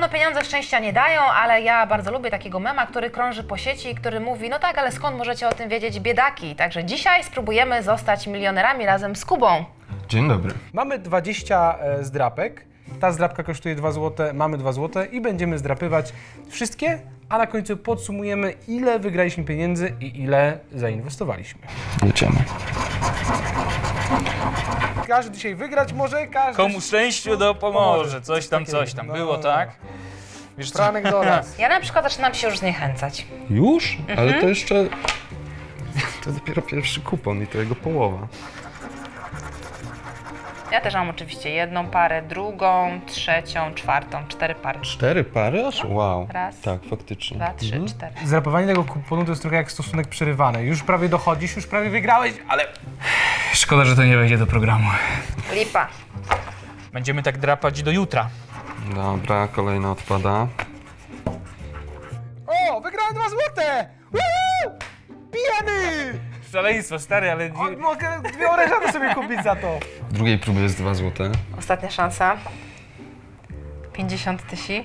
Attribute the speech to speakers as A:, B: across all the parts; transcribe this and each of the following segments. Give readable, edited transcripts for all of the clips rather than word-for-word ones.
A: Podobno pieniądze szczęścia nie dają, ale ja bardzo lubię takiego mema, który krąży po sieci i który mówi, no tak, ale skąd możecie o tym wiedzieć, biedaki? Także dzisiaj spróbujemy zostać milionerami razem z Kubą.
B: Dzień dobry.
C: Mamy 20 zdrapek. Ta zdrapka kosztuje 2 zł, mamy 2 zł i będziemy zdrapywać wszystkie, a na końcu podsumujemy, ile wygraliśmy pieniędzy i ile zainwestowaliśmy.
B: Jedziemy.
C: Każdy dzisiaj wygrać może, każdy...
D: Komu szczęściu dopomoże, coś tam, było, tak? Wiesz co?
C: Franek do nas.
A: Ja na przykład zaczynam się już zniechęcać.
B: Już? Ale to jeszcze... To dopiero pierwszy kupon i to jego połowa.
A: Ja też mam oczywiście jedną parę, drugą, trzecią, czwartą, 4 pary.
B: 4 pary aż? Wow.
A: Raz,
B: Tak, faktycznie.
A: 2, 3, 4.
C: Zdrapowanie tego kuponu to jest trochę jak stosunek przerywany. Już prawie dochodzisz, już prawie wygrałeś, ale...
D: Szkoda, że to nie wejdzie do programu.
A: Lipa.
D: Będziemy tak drapać do jutra.
B: Dobra, kolejna odpada.
C: O, wygrałem 2 złote! Woo! Pijemy!
D: Szaleństwo, stary, ale...
C: Mogę 2 orężaty sobie kupić za to.
B: W drugiej próbie jest 2 złote.
A: Ostatnia szansa. 50 tysięcy.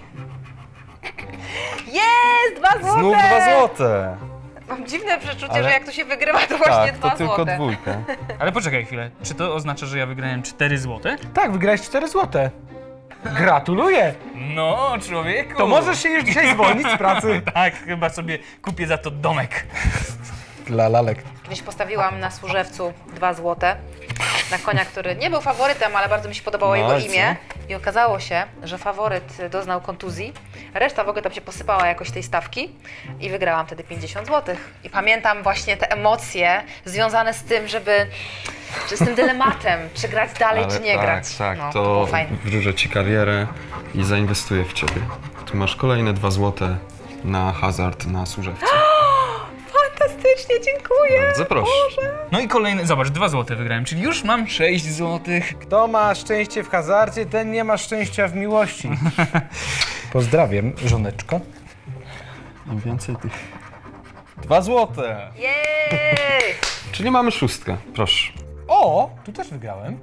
A: Jest! 2 złote!
B: Znów 2 złote!
A: Mam dziwne przeczucie,
B: Ale-
A: że jak tu się wygrywa, to właśnie
B: Tak,
A: 2
B: to tylko
A: złote.
B: dwójka.
D: Ale poczekaj chwilę, czy to oznacza, że ja wygrałem 4 złote?
C: Tak, wygrałeś 4 złote. Gratuluję!
D: No, człowieku!
C: To możesz się już dzisiaj zwolnić z pracy.
D: Tak, chyba sobie kupię za to domek.
C: Dla lalek.
A: Kiedyś postawiłam na Służewcu 2 złote na konia, który nie był faworytem, ale bardzo mi się podobało
B: No,
A: jego
B: ale
A: imię. I okazało się, że faworyt doznał kontuzji. Reszta w ogóle tam się posypała jakoś tej stawki i wygrałam wtedy 50 zł. I pamiętam właśnie te emocje związane z tym, z tym dylematem, czy grać dalej,
B: Ale
A: czy nie
B: tak,
A: grać.
B: tak,
A: No,
B: to
A: było fajne.
B: wróżę ci karierę i zainwestuję w ciebie. Tu masz kolejne 2 złote na hazard na Służewcu.
A: Fantastycznie, dziękuję.
B: Bardzo proszę.
D: No i kolejny, zobacz, 2 złote wygrałem, czyli już mam 6 złotych.
C: Kto ma szczęście w hazardzie, ten nie ma szczęścia w miłości. Pozdrawiam, żoneczko.
B: Im więcej tych... 2 złote!
A: Jej!
B: Czyli mamy 6, proszę.
C: O, tu też wygrałem.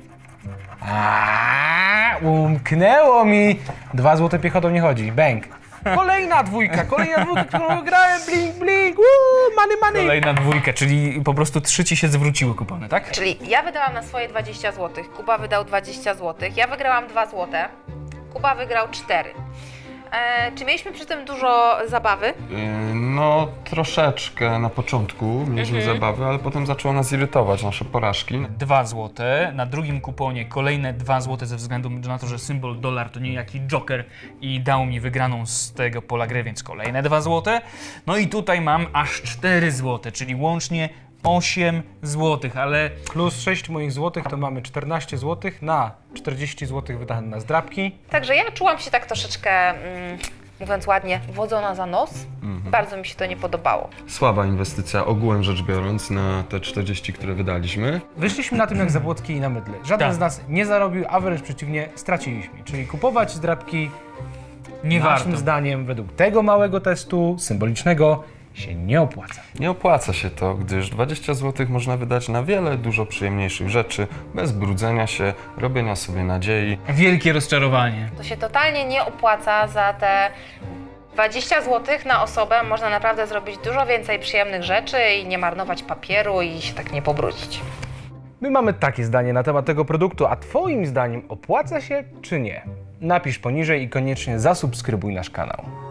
C: Umknęło mi. 2 złote piechotą nie chodzi. Bang. Kolejna dwójka, którą wygrałem. Blink, blink. Money, money.
D: Kolejna dwójka, czyli po prostu 3 ci się zwróciły kupony, tak?
A: Czyli ja wydałam na swoje 20 zł, Kuba wydał 20 zł, ja wygrałam 2 zł, Kuba wygrał 4. Czy mieliśmy przy tym dużo zabawy?
B: No, troszeczkę na początku mieliśmy zabawy, ale potem zaczęło nas irytować nasze porażki.
D: 2 złote, na drugim kuponie kolejne 2 złote ze względu na to, że symbol dolar to niejaki joker i dał mi wygraną z tego pola gry, więc kolejne 2 złote. No i tutaj mam aż 4 złote, czyli łącznie 8 złotych, ale
C: Plus 6 moich złotych to mamy 14 złotych na 40 złotych wydane na zdrapki.
A: Także ja czułam się tak troszeczkę, mówiąc ładnie, wodzona za nos. Bardzo mi się to nie podobało.
B: Słaba inwestycja ogółem rzecz biorąc na te 40, które wydaliśmy.
C: Wyszliśmy na tym jak Zabłocki i na mydle. Żaden
D: Tak.
C: z nas nie zarobił, a wręcz przeciwnie, straciliśmy. Czyli kupować zdrapki
D: nie
C: naszym
D: warto.
C: zdaniem według tego małego testu symbolicznego się nie opłaca.
B: Nie opłaca się to, gdyż 20 zł można wydać na wiele dużo przyjemniejszych rzeczy, bez brudzenia się, robienia sobie nadziei.
D: Wielkie rozczarowanie.
A: To się totalnie nie opłaca. Za te 20 zł na osobę można naprawdę zrobić dużo więcej przyjemnych rzeczy i nie marnować papieru i się tak nie pobrudzić.
C: My mamy takie zdanie na temat tego produktu, a Twoim zdaniem opłaca się czy nie? Napisz poniżej i koniecznie zasubskrybuj nasz kanał.